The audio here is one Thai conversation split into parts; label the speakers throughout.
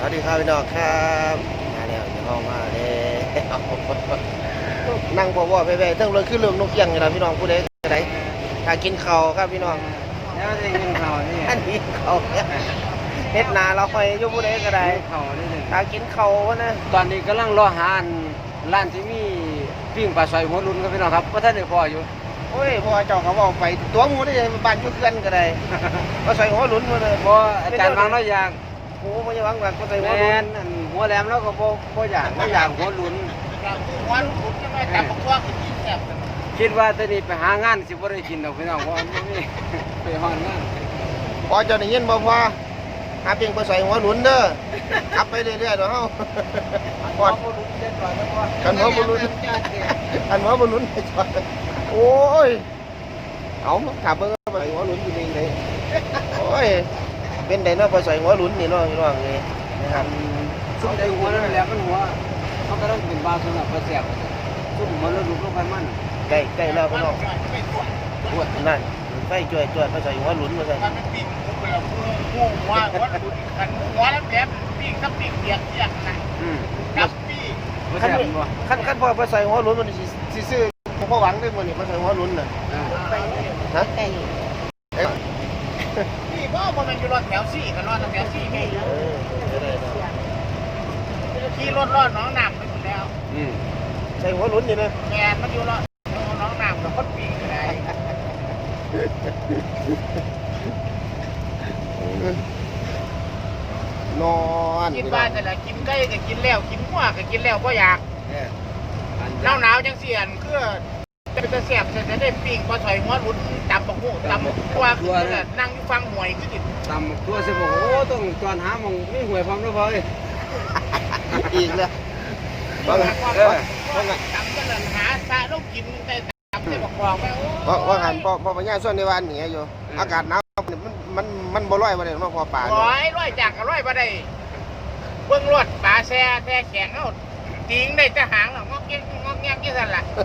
Speaker 1: วัสดีครับพี่น้องครับมาแล้วอยู่ห้องมาแล้วนั่งบ่บ่ไปๆทั้งเรื่องคือเรื่องนกเอี้ยงนี่ล่ะพี่น้องผู้ใดก็ได้ถ้ากินข้าวครับพี่น้อง
Speaker 2: แล้วจะกินข้าวนี่
Speaker 1: อันนี้ข้าวเฮ็ดนาเราค่อยอยู่ผู้ใดก็ได้
Speaker 2: ข้าวนี่หนึ่ง
Speaker 1: ถ้ากินข้าวนะ
Speaker 2: ตอนนี้กำลังรอหาร้านที่มีปิ้งปลาซอยหัวรุ่นครับพี่น้องครับเพราะท่านได้พออยู่
Speaker 1: โอ้ยพ่อเจ้าเขาบอกไปตัวหมูได้บ้านอยู่เพื่อนก็ได้ก็ใส่หัวหลุนมาเลย
Speaker 2: เพราะอาจารย์บางเราอยาก
Speaker 1: โอ้บ่ยังหวังว่าก็ใส่หั
Speaker 2: แม
Speaker 1: วหลุน
Speaker 2: นหัวแหลมแล้วก็บ่อยากหัวรุ่น
Speaker 3: หัวหลุดใช่ไหมจับพวกกินแซ่บ
Speaker 2: คิดว่าตอนนี้ไปหางานสิบ่ได้กินดอกพี่น้องเพราะไม่มีไปหางาน
Speaker 1: พอเจ้าได้ยินบ่พ่อหาเพียงไปใส่หัวหลุนเด้อขับไปเรื่อยๆเด้อเฮาพอด
Speaker 2: หัวรุ่นเด็ดกว่าแล้วว่า
Speaker 1: กันหัวบ่หลุนอันหัวบ่หลุนไปจอดโอ้ยเอาถามเบิ่งว่าไปใส่หัวหลุนอยู่นี่เลยโอ้ยเป็นไดเนาะไปใส่หัวหลุนนี่เนาะพี่น้องนี่นะครับ
Speaker 2: ซุ่มใจหัวนั่นแหละมันหัวเขาก็ต้องเป็นบาสำหรับปลาแซ่บซุ่มหัวแล้วดูลงไปมัน
Speaker 1: ใกล้แล้วพี่น้อง
Speaker 3: ไม่ตรวจ
Speaker 1: ปวดนั่นไฟจ่วยไปใส่หัวหลุนมาใส่
Speaker 3: มันเป็นปีกผมเลยงูว่าหัวหลุดขันหัวแล้วแอบปีกกับปีกเปียกเปียกนะกับปีก
Speaker 2: บ่
Speaker 1: ขั้น
Speaker 2: แซ่บบ่
Speaker 1: ขั้นพอไปใส่หัวหลุนมันสิซื้อพ่อหวังได้มื้อนี้มาใส่หัวหลุนน่ะฮะ
Speaker 3: นี่ก็มันอยู่รถแถวสี่กันรถแถวสี่ไง
Speaker 1: ได้
Speaker 3: ขี่รถรอดน้องน้ำไปหมดแล้ว
Speaker 1: ใส่หัวหลุนนี่นะ
Speaker 3: แกมันอยู่รอดน้องน้ำกับคนปีกอะไร
Speaker 1: นอน
Speaker 3: กินบ้านแต่ละกินไก่ก็กินแล้วกินหัวก็กินแล้วก็อยากหนาวจังเสียนคือเป็นตะแสบจะได้ปีกพอถอยหัวหลุดตำบักหูตำบัวคือนั่งอยู่ฟังหวยคือติด
Speaker 2: ตำตัวสิบอกโอ้ต้องจอนหาหมองมีหวยพร้อมแล้วพอเลย
Speaker 1: อีกแล้ว
Speaker 3: ว่าตำกันหาซาลูกกินแต่ตำจะบอกบอกไป
Speaker 1: ว่าหันพอปัญญาส่วนในวันนี้อยู่อากาศหนาวมันบ่ร้อยมาเลยมาพอป่า
Speaker 3: ร้อยจากกับร้อยมาได้เบื้องรวดป่าแช่แช่แข็งเอาติงได้จะหางงอกแงกยี่สันล่ะ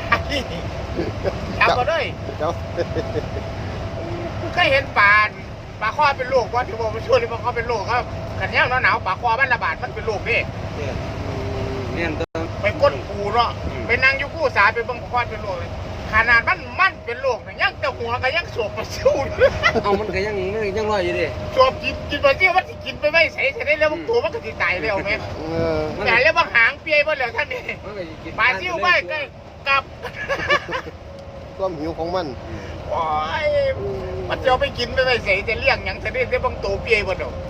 Speaker 3: จับมาด้วย
Speaker 1: เจ้า
Speaker 3: เคยเห็นปลาข้อเป็นโรคว่าที่บอกมันช่วยหรือว่าเขาเป็นโรคครับขันย่างหนาวปลาข้อมันระบาดมันเป็นโรคนี่
Speaker 2: เนี่ยตัว
Speaker 3: ไปก้นปูเนาะไปนั่งอยู่กู้สาไปเบิ่งปลาข้อเป็นโรคเลยขนาดมันเป็นโรคเนี่ยยังแต่หัวก็ยังสวบมาสู้
Speaker 2: เอามันก็ยังลอยอยู่ดิ
Speaker 3: สวบกินมาเที่ยวมันกินไปไม่ใส่ได้แล้วมันตัวมันก็ติดตายแล้วไหม
Speaker 1: มัน
Speaker 3: แต่แล้วบางหางเปียบ่เหลือท่านนี่ปลาซิ่วไม่ใกล้กับ
Speaker 1: ความหิวของมัน
Speaker 3: โอ้ยมันจะไปกินไปไม่ใส่จะเลี้ยงอย่างจะได้บางตัวเปียบ่เนาะ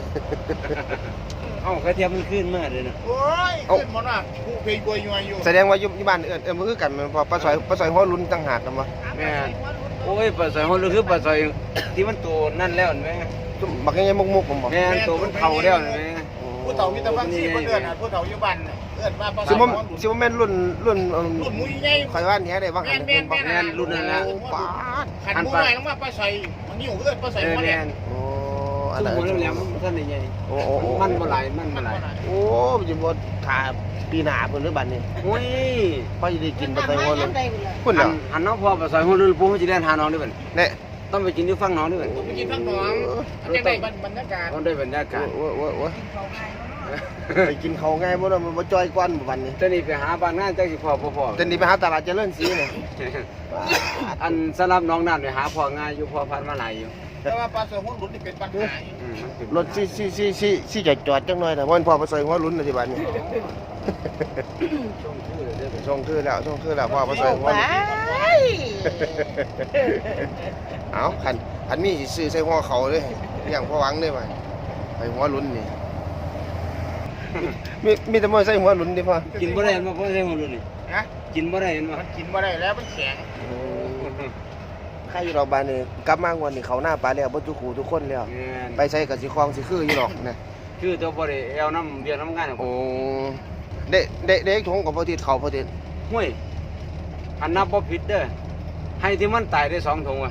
Speaker 2: เอากระเทียมมันขึ้นมากเลยนะ
Speaker 3: โอ้ยขึ้นมันว่าผู้เพยกวยอยู่
Speaker 1: แสดงว่าอยู่บ้านมันคือกันมันพอปลาสอยหัวลุ้นต่างหากกันวะ
Speaker 2: แม่โอ้ยปลาซอยเขาคือปลาซอยที่มันตัวนั่นแล้วไหม
Speaker 1: บักยังไงมุกผมบอก
Speaker 2: แม่ตัวมันเข่าแล้วไหม
Speaker 3: ผู้เฒ่ามีแต่ฟังซี่บ่เดือนผู้เฒ่าอยู่บ้านเอิ้นว่า
Speaker 1: ซิมแม่นรุ่น
Speaker 3: รุ่นมุ้ยใหญ่
Speaker 1: คอยว่านี้ได้บ้างหันเป็นบอก
Speaker 2: แม่นรุ่นนั้นละ
Speaker 1: ป้าด
Speaker 3: ขันมุ้ยใหญ่ลงมาปลาใส่มันอยู่เอิ้นปลาใส่มาแล้
Speaker 1: โอ้อะ
Speaker 2: ตุ้
Speaker 1: ไร
Speaker 2: มแล้วมันท่านใหญ่
Speaker 1: โอ้
Speaker 2: มันบ่ไหลมันบ่ไหล
Speaker 1: โอ้มันจะบดขาปีหนาเพิ่นหรือบัดนี้
Speaker 2: โอ้ย
Speaker 1: พอจะได้กินปลาสอยหัวลุ้น
Speaker 2: คุ
Speaker 1: คุณ
Speaker 2: ณ
Speaker 1: เหรอ
Speaker 2: หันน้องพ่อปลาซอยเขาลื่นปูเขาจะเล่นหาน้องด้วยกัน
Speaker 1: เนี่ย
Speaker 2: ต้องไปกินที่ฟังน้องด้วยกัน
Speaker 3: ไปกินข้างหนองจะได้บรรยากาศ
Speaker 2: ต้องได้บรรยากาศ
Speaker 1: โอ้ไปกินเขาง่ายบ่ล่ะมันบ่จอยกวนบัดนี้
Speaker 2: ตอนนี้ไปหาบ้านงานจักสิพ่อบ่พ่อ
Speaker 1: ตอนนี้ไปหาตลาดเจริญศรีเนี่ย
Speaker 2: อันสำหรับน้องนั่นไปหาพ่อง่ายอยู่พ่อพันมาหลายอยู่
Speaker 3: แต่ว่าปลาใส่หัวหลุดนี่เป็นปัญหาร
Speaker 1: ถซี่จอดจังหน่อยแต่ว่าพอไปใส่หัวลุ้นในที่บ้านนี่ช่องคือแล้วพ่อไปใส่หัวเอาขันมีซื้อใส่หัวเขาเลยอย่างพ่อหวังได้ไหมไปหัวลุ้นนี่มีแต่มวยใส่หัวลุ้นดิพ่อ
Speaker 2: กินบ่ได้มาพ่อใช่คนรุ่นนี่
Speaker 3: นะ
Speaker 2: กินบ่ได้มา
Speaker 3: มันกินมาได้แล้วมันแข็ง
Speaker 1: ข้าอยู่เราบ้านนี่กลับมางวันนี้เขาหน้าปลาแล้วบ่ทุกคู่ทุกคนแล้วไปใส่กับสิคลองสิคืออยู่หรอกนะ
Speaker 2: คือตัวบ่ได้เอาน้ำเบียร์น้ำงาน
Speaker 1: โอ้เด็กทงกับพอติดเขาพอติด
Speaker 2: ห้วยอันนับบ่ผิดเด้อให้ที่มันตายได้2 ถุงอ่ะ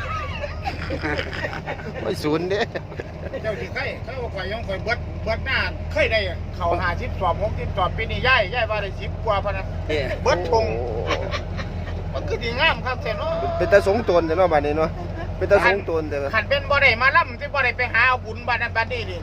Speaker 1: ไม่ศูนย์เด้
Speaker 3: เจ้าสิไข่เขาข่อยยังข่อยเบิดหน้าเคยได้เข่า50สอบ60สอบปีนี้ย้ายว่าได้10กว่าพะนะเบิดทงมันคือสิงามครับแท้เนาะ
Speaker 1: เป็นตาสงตนแต่เนาะบ้านนี้เนาะเป็นตาสงตนแต่
Speaker 3: ขันเป็นบ่ได้มาล่ำที่บ่ได้ไปหาเอาบุญบ้านนั้นบ้านนี้ดิบ่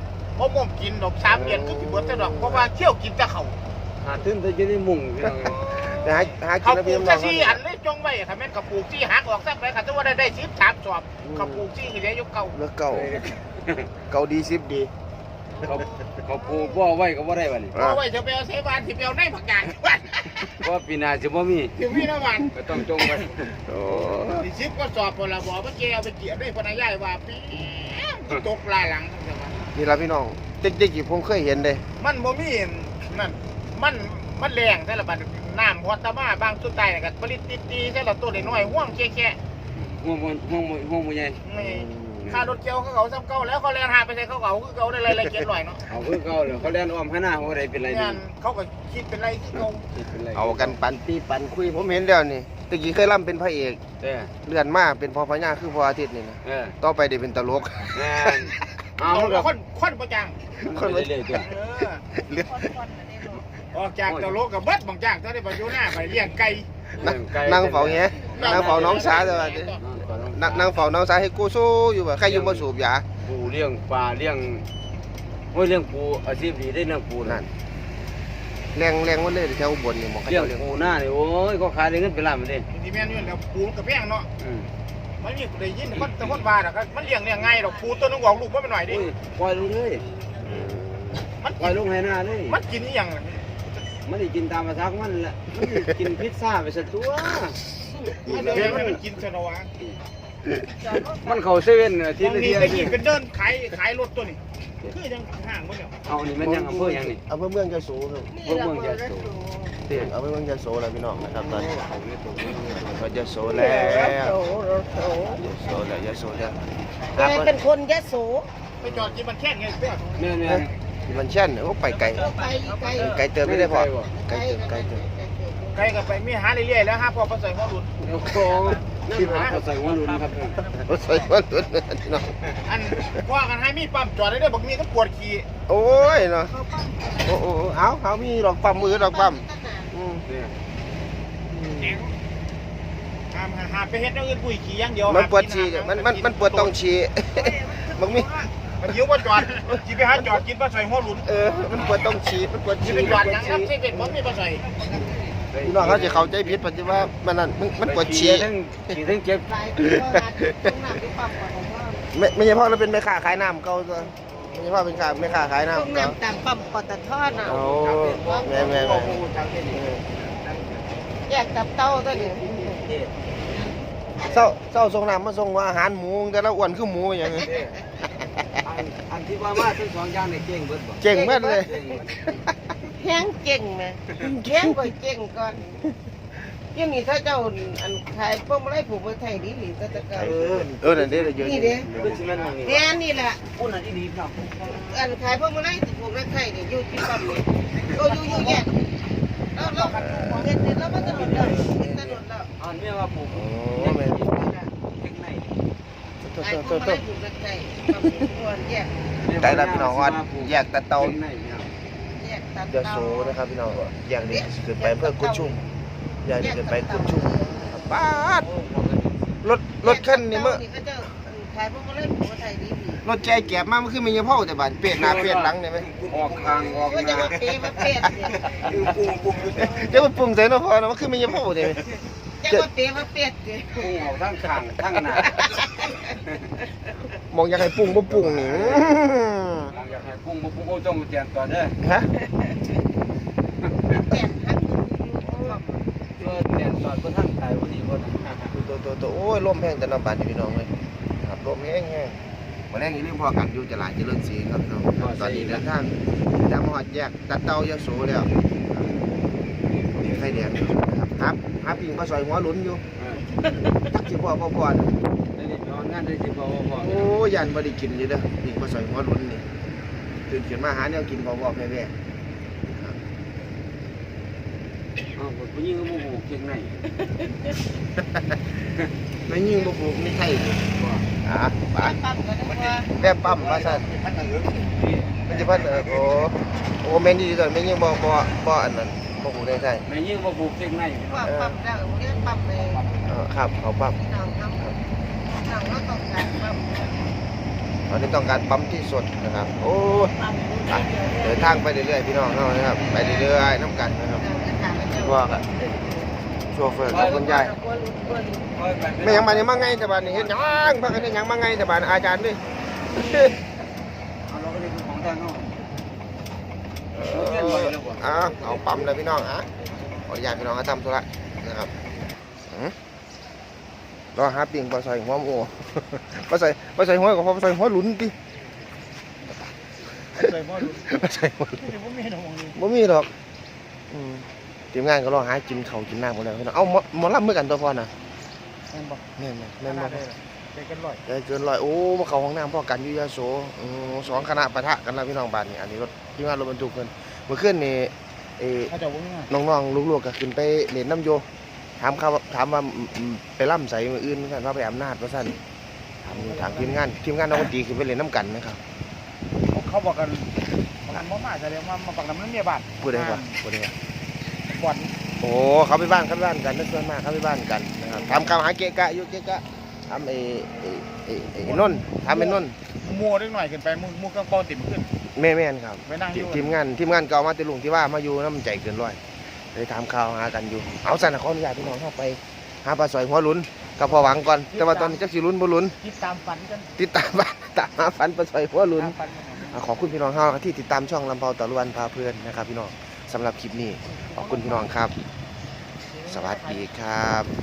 Speaker 3: เขาม่วงกินดอก3 เดือนคือสิเบิดซะดอกเพราะว่าเที่ยวกินแต่เขา
Speaker 2: หาตื้นแต่จะได้มุ่งพี่น้อง
Speaker 1: แต่หากิ
Speaker 3: เขา
Speaker 1: นแล้ว
Speaker 3: ปลู
Speaker 1: พี่
Speaker 3: ก
Speaker 1: น้อง
Speaker 3: ซี่อันเลยจงไว้ถ้าแม่นเขาปลูกซี่หักออกซักไปค่ะถ้าว่าได้13 สอบเขาปลูกซี่คือได้ยกเก่า
Speaker 1: เลือกเก่าดี10ดี
Speaker 2: เขาปลูกบ่อไว้ก็บ่ได้บัดนี้
Speaker 3: เอาไว้จะไปเอาเสบานสิไปเอาในผักกาด
Speaker 2: เพราะปีหน้าสิบ่มี
Speaker 3: ถึงพี่น้ำมัน
Speaker 2: ก็ต้องจงไว้
Speaker 1: โอ้
Speaker 3: สิ10ก็สอบพลบเมื่อกี้เอาไปเกี่ยวได้พนักงานว่าปีตกลายหลัง
Speaker 1: นี่ล่ะพี่น้องเด็กๆผมเคยเห็นเด้
Speaker 3: มันบ่มีนั่นมันแรงแต่ละบัดน้ำฮอตตามาบางสุดใต้ก็ผลิตตีๆแต่ละตัวน้อยๆห่วงแค่
Speaker 2: ห่วงบ่ใหญ่
Speaker 3: ค่ารถเกี่ยวเขาซ้ำเก่าแล้วเขาแล่นหาไปใส่เขาคือเขาได้ไรเกียรหน่อยเนาะ
Speaker 2: เอาคือเก่าเลยเขาเล่นอ้อมข้างหน้าบ่ได้เป็นไรนี่
Speaker 3: งานเขาก็คิดเป็นไรที่เขา
Speaker 2: คิดเป็นไร
Speaker 1: เอากันปันตีปันคุยผมเห็นแล้วนี่ตะกี้เคยร่ำเป็นพระเอก
Speaker 2: เด้อ
Speaker 1: เลื่อนมาเป็นพอพญาคือพออาทิตย์นี่นะ ต่อไปได้เป็นตลก
Speaker 2: แม่นเอา
Speaker 3: เอา
Speaker 2: ก็
Speaker 3: คนประจัง
Speaker 2: คนเรื่อยๆตัว
Speaker 1: เลื่อน
Speaker 3: ออกจากตะโลกกับเบิดบางอย่างถ้าได้ไปอยู่หน้าไปเลี้ยงไก่
Speaker 1: นั่งเฝ้าเงี้ยนั่งเฝ้าน้องสาแต่ว่านั่งเฝ้าน้องสาให้กูสู้อยู่แบบใครอยู่บ่สูบยา
Speaker 2: ปูเลี้ยงปลาเลี้ยงโอ้ยเลี้ยงปูอาชีพดีได้เลี้ยงปู
Speaker 1: นั่
Speaker 2: นั่
Speaker 1: นแรงมันเลยแถวอุบลนี่หมองเขา
Speaker 2: เลี้ยง
Speaker 1: เจ้าเลี้ยง
Speaker 2: ปูหน้านี่โอ้ยก็ขายได้เงินเป็นล้านมาดิ
Speaker 3: ที่แม่นอยู่แล้วปูกับแพงเนาะ
Speaker 2: อืม
Speaker 3: มันมีได้ยินคนแต่คนว่าน่ะมันเลี้ยงง่ายดอกปูตัวนึงออกลูกบ่เป็นหน่อยดิ
Speaker 2: โอ้ยปล่อยลงเลย
Speaker 3: มัน
Speaker 2: ปล่อยลงให้หน้าเลย
Speaker 3: มันกินอีหยัง
Speaker 2: มันได้กินตามภาษาของมันแหละมันได้กินพิซซ่าไปซะตัว
Speaker 3: มันเดินมันกินซะเนาะวะ
Speaker 2: มันเข้าเซเว่นอาที
Speaker 3: ตรง
Speaker 2: ละ
Speaker 3: นี้
Speaker 2: เที่ย
Speaker 3: ตะกี้เป็นเดินขายรถตัวนี้คือยังห่างบ่เนี่ย
Speaker 2: เอานี่มันยังอำเภอยังนี่
Speaker 1: เอาเมืองยะโสครับ
Speaker 2: เมืองยะโส
Speaker 1: เตียงเอาเมืองยะโสแล้วพี่น้องนะครับตอนนี้ก็ยะโสแล้วยะโสแล้วยะโสแล้ว
Speaker 4: แกเป็นคนยโส
Speaker 3: ไปจอดกินมันแค่ไงเสื้อ
Speaker 2: แม่น
Speaker 1: ที่มันเช่นโอ้ไปไกล
Speaker 4: ไปไกล
Speaker 1: ไกลเติมไม่ได้พอไกลเติม
Speaker 3: ไกลกับไปมีหาเรื่อยๆแล้วฮะพอประเสริฐพ่อหลุด
Speaker 2: โอ้โหนั่นหาเขาใส่หัวลุ้นครับ
Speaker 1: รถไฟฟ้าหลุดพี่น้อง
Speaker 3: อันว่ากันให้มีปั๊มจอดได้ด้วยบอกมีก็ปวดขี่
Speaker 1: โอ้ยเนาะโอ้เอามีดอกปั๊มมือดอกปั๊ม
Speaker 2: เนี่ย
Speaker 3: หาไปเฮ็ดอย่างอื่นปุ้ยขี่อย่างเดียว
Speaker 1: มันปวดฉี่มันปวดต้องฉี่มันมี
Speaker 3: มันยิ้วว่าจอดจีไปหาจอดกินปลาใส่หัวหลุด
Speaker 1: มันปวดต้องฉี่มันปวด
Speaker 3: จี
Speaker 1: ฉี่
Speaker 3: ไปจอดยังครับเส้นเป็นผมมีปลาใส่
Speaker 1: พี่น้องเขาจะเข้าใจผิดปัจจุบันมันนั่นมันปวดฉี่
Speaker 2: ทั้งเจ็บ
Speaker 4: หลายปีก็หาตรงหนักที่ปั๊มก่อนผมว่า
Speaker 1: ไม่ใช่พ่อเราเป็นแม่ค้าขายน้ำเก่าตัวไม่ใช่พ่อเป็นแม่ค้าขาย
Speaker 4: ตรง
Speaker 1: น้ำเก่า
Speaker 4: น้ำตามปั๊มปตทน่ะ
Speaker 1: โอ้แม่
Speaker 4: แยกตับเต้าตัวนี้
Speaker 1: เศร้าส่งน้ำมาส่งอาหารหมูแต่ละอ้วนคือหมูอย่างนี้
Speaker 2: อันที่ว่ามาทั้งสองอย่างนี่เก่งเบิดบ่
Speaker 1: เก่งมากเลย
Speaker 4: แห้งเก่งไหมแห้งก่อยเก่งก่อนยังนี่ถ้าเจ้าอันขายพวกมาไล่ผูกมาไทยดีหรือตะการ
Speaker 1: นั่นเด้เยอะ
Speaker 4: นี่เด้
Speaker 2: เป็นสิแม่นว่านี่
Speaker 4: เนี่ยนี่แหละ
Speaker 2: อุ่นอันนี้ดีครับ
Speaker 4: อันขายพวกมาไล่ผูกมาไทยนี่อยู่ที่ปั๊มนี่ก็อยู่แยกเราเห็นแล้วมันถนนแล้วเห็นถนนแล้ว
Speaker 2: อันนี้ว่าปลูก
Speaker 1: โอ้แม่
Speaker 2: เทคไน
Speaker 4: ขายพวกมาไล่ผูกมาไทยปั๊มตัวแยก
Speaker 1: ใจรับพี่น้องว่าแยกตะเตา
Speaker 4: แยกตับ
Speaker 1: ยาโสนะครับพี่น้องแยกนี่เกิดไปเพื่อกุดชุ่มแยกนี่เกิดไปกุดชุ่มป้ารถคันนี้เมื่อ
Speaker 4: ก็จะขายพวกมาไล่ผูกมาไทยดี
Speaker 1: รถใจแก็บมามันคือมีเฉพาะแต่บานเปลี่ยนหน้าเปลี่ยนหลังได้ไหม
Speaker 2: ออกทางออก
Speaker 4: ก็
Speaker 2: ห
Speaker 4: จะ
Speaker 2: น้า
Speaker 4: มาเปมาเป็ดเนี่ย
Speaker 1: เดี๋ยวมันปรุงใส่เนาะพอเนาะมันคือมีเฉพาะได้ไหม
Speaker 4: จะมาเปมาเป็ดเนี่ย
Speaker 2: พุ่งออกทางข้างทางหน้าม
Speaker 1: องอยากให้ปรุงบ่ปรุงนี่
Speaker 2: อยากให้พุ่งบ่พุ่งโอ้จงเตียนก่อนเด้อ
Speaker 1: ฮะ
Speaker 4: เป็ดทั้ง
Speaker 2: เตียนก่อนบ่ทันตายบ่ดีบ่นะ
Speaker 1: ตัวโอ้ยลมแห้งแต่น้ำบานพี่น้องเลยครับลมแห้งมาแรงนี้เรื่องพอกันอยู่ตลาดเจริญศรีครับน้องตอนนี้เดินทางจากมหาดแยกตัดเตายาโสแล้วมีไฟแดงครับหาปิงปลาซอยหัวหลุนอยู่จักสิพ่อนะ
Speaker 2: ได้นอนงานได้สิบ่บ่
Speaker 1: โอ้ยันบ่ได้กินอยู่เด้อปิงปลาซอยหัวหลุนนี่ตื่นขึ้นมาหาแนวกินบ่แพ้
Speaker 2: อ้าวผู้หญิงก็บ่ปลูกเก่งไหน
Speaker 1: ๆไม่ยิ่งบ่ปลูกนี่ไทยไป
Speaker 4: ปั๊มก็ได้ว่า
Speaker 1: แม่ปั๊มว่าซั่น
Speaker 3: พันเหลือง
Speaker 1: มันจะพัดโอ้แม่นดีตอนแม่ยิ่งบ่อันนั้นบ่ปลูกได้ไทย
Speaker 2: แม่ยิ่งบ่ปลูกเก่งไหน
Speaker 4: ว่าปั๊มแล้วเรียกปั๊มเลย
Speaker 1: ครับเขาปั๊ม
Speaker 4: น้องทำน้องก็ต้องการปั๊ม
Speaker 1: ตอนนี้ต้องการปั๊มที่สดนะครับโอ้ยไปเดินทางไปเรื่อยๆพี่น้องเนาะนะครับไปเรื่อยๆน้ำกันนะครับว่ากันโชเฟอร์กับคุณยายไม่ยังมาเนี่ยมาไงแต่บ้านนี่เห็นยังพักกันยังมาไงแต่บ้านอาจารย์ด้วย
Speaker 2: เอาเราก็เลยของทางนอก
Speaker 1: เอาปั๊มเลยพี่น้องขออนุญาตพี่น้องทำธุระนะครับรอหาปิ่งปลาใส่หัวโอ้ปลาใส่หัวกับปลาใส่หัวหลุนดิ
Speaker 3: ใส่หม้อดู
Speaker 1: ปลาใส่หัว
Speaker 3: บ่มีดอกมองนี่
Speaker 1: บ่มีหรอกทีมงานก็รอหากินข้าวกินน้ำหมดแล้วพี่น้องเอาหมอลำเมื่อกันตัวพ่อน่ะ
Speaker 3: แม่นบ่
Speaker 1: แม่นบ่
Speaker 3: ใจกันร้อย
Speaker 1: ได้เกินร้อยโอ้มาเข้าห้องน้ำพ่อกันอยู่ยาโส2คณะปะทะกันแล้วพี่น้องบ้านนี่อันนี้รถทีมงานรถบรรทุกเพิ่นเมื่อคืนนี่
Speaker 3: เขาจะบ่มี
Speaker 1: น้องๆลูกๆก็ขึ้นไปเล่นน้ำโยถามว่าไปล่ำใส่มืออื่นเหมือนกันว่าไปอำนาจว่าสั่นถามทีมงานนักดนตรีขึ้นไปเล่นน้ำกันนะครับ
Speaker 3: เขาบอกกันมันบ่มาแสดงว่ามาปักน้ำมันเมียบ้าน
Speaker 1: พูดได้ป่ะ
Speaker 3: บ่อน
Speaker 1: โอ้เขาไปบ้านกันนั่นส่วนมากเขาไปบ้านกันนะครับทำคำหาเกะกะอยู่เกะกะทำไอ้นนท์ทำไอ้นนท์
Speaker 3: มัวเล็กหน่อยขึ้นไปมัวกระเป๋าติ่มขึ้น
Speaker 1: แม่นครับ
Speaker 3: ไปนั่งอยู่
Speaker 1: ทีมงานเก่ามาติลุงที่ว่ามาอยู่น้ำใจเกินร้อยเลยถามข่าวหากันอยู่เอาสั่นขออนุญาตพี่น้องเข้าไปหาปลาสอยหัวหลุนกับพอหวังก่อนแต่ว่าตอนนี้จักสิลุ้นบ่ลุ้น
Speaker 3: คิดตามฝันกัน
Speaker 1: ติดตามบ้านตามหาฝันปลาสอยหัวหลุน
Speaker 3: ตามฝันกัน
Speaker 1: ขอบคุณพี่น้องเฮาที่ติดตามช่องลำเภาตะลุวันพาเพื่อนนะครับพี่น้องสำหรับคลิปนี้ขอบคุณพี่น้องครับ สวัสดีครับ